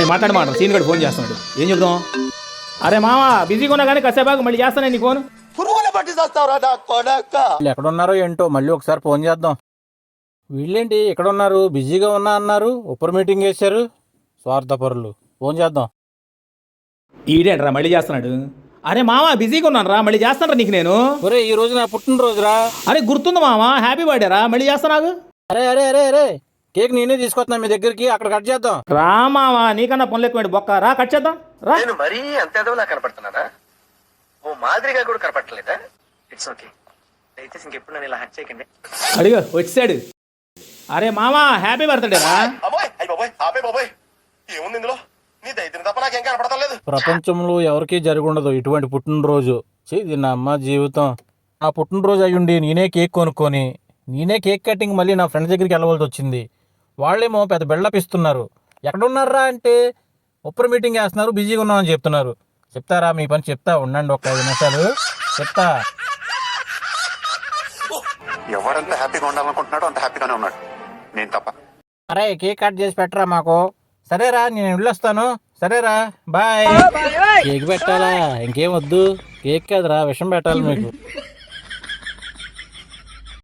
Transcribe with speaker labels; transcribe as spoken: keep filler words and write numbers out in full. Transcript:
Speaker 1: మాట్లాడి మాట సీన్ గడు ఫోన్ చేస్తున్నాడు, ఏం చెప్దాం? అరే మామ బిజీగా ఉన్నా కానీ కాసేపాకు మళ్ళీ చేస్తాను నీ ఫోన్.
Speaker 2: వీళ్ళు ఎక్కడున్నారో ఏంటో, మళ్ళీ ఒకసారి ఫోన్ చేద్దాం. వీళ్ళేంటి ఇక్కడ ఉన్నారు, బిజీగా ఉన్నా అన్నారు, ఉప్పర్ మీటింగ్ వేశారు, స్వార్థపరులు. ఫోన్ చేద్దాం.
Speaker 1: ఈడేంట్రా మళ్ళీ చేస్తున్నాడు? అరే మామ బిజీగా ఉన్నాను రా, మళ్ళీ చేస్తాను నీకు నేను.
Speaker 2: ఒరే ఈ రోజు నా పుట్టినరోజురా.
Speaker 1: అరే గుర్తుంది మామ, హ్యాపీ బర్త్డే రా, మళ్ళీ చేస్తా నాకు.
Speaker 2: అరే అరే అరే అరే కేక్ నేనే తీసుకొస్తున్నా మీ దగ్గరికి, అక్కడ కట్ చేద్దాం.
Speaker 1: రా మామ, నీకన్నా పనులు ఎక్కువ బొక్క, రా కట్ చేద్దాం రా.
Speaker 3: నేను మరీ అంత ఎదవలా కనపడుతున్నారా? ఓ మాదిరిగా కూడా కనపడలేదా? ఇట్స్ ఓకే, దయచేసి ఇంకెప్పుడు నన్ను ఇలా హట్ చేయకండి.
Speaker 1: అడిగో వచ్చాడు. అరే మామ హ్యాపీ బర్త్డే రా.
Speaker 3: ఏముంది ఇందులో? నీ దైత్యం తప్ప నాకేం కనపడలేదు.
Speaker 2: ప్రపంచంలో ఎవరికీ జరుగుండదు ఇటువంటి పుట్టినరోజు. ఇది నా అమ్మ జీవితం. నా పుట్టినరోజు అయ్యుండి నేనే కేక్ కొనుక్కొని నేనే కేక్ కటింగ్ మళ్ళీ నా ఫ్రెండ్స్ దగ్గరికి వెళ్ళవలసి వచ్చింది. వాళ్ళేమో పెద్ద బిల్డప్ ఇస్తున్నారు. ఎక్కడున్నారా అంటే ఉప్పర్ మీటింగ్ వేస్తున్నారు, బిజీగా ఉన్నామని చెప్తున్నారు. చెప్తారా మీ పని? చెప్తా ఉండండి ఒక ఐదు నిమిషాలు చెప్తా.
Speaker 4: ఎవరంత హ్యాపీగా ఉండాలనుకుంటున్నాడో అంత హ్యాపీగానే ఉన్నాడు, నేను తప్ప.
Speaker 2: అరే కేక్ కట్ చేసి పెట్టరా మాకు. సరేరా నేను వెళ్ళొస్తాను. సరేరా బాయ్. కేక్ పెట్టాలా? ఇంకేం వద్దు, కేక్ కాదురా విషం పెట్టాలి మీకు.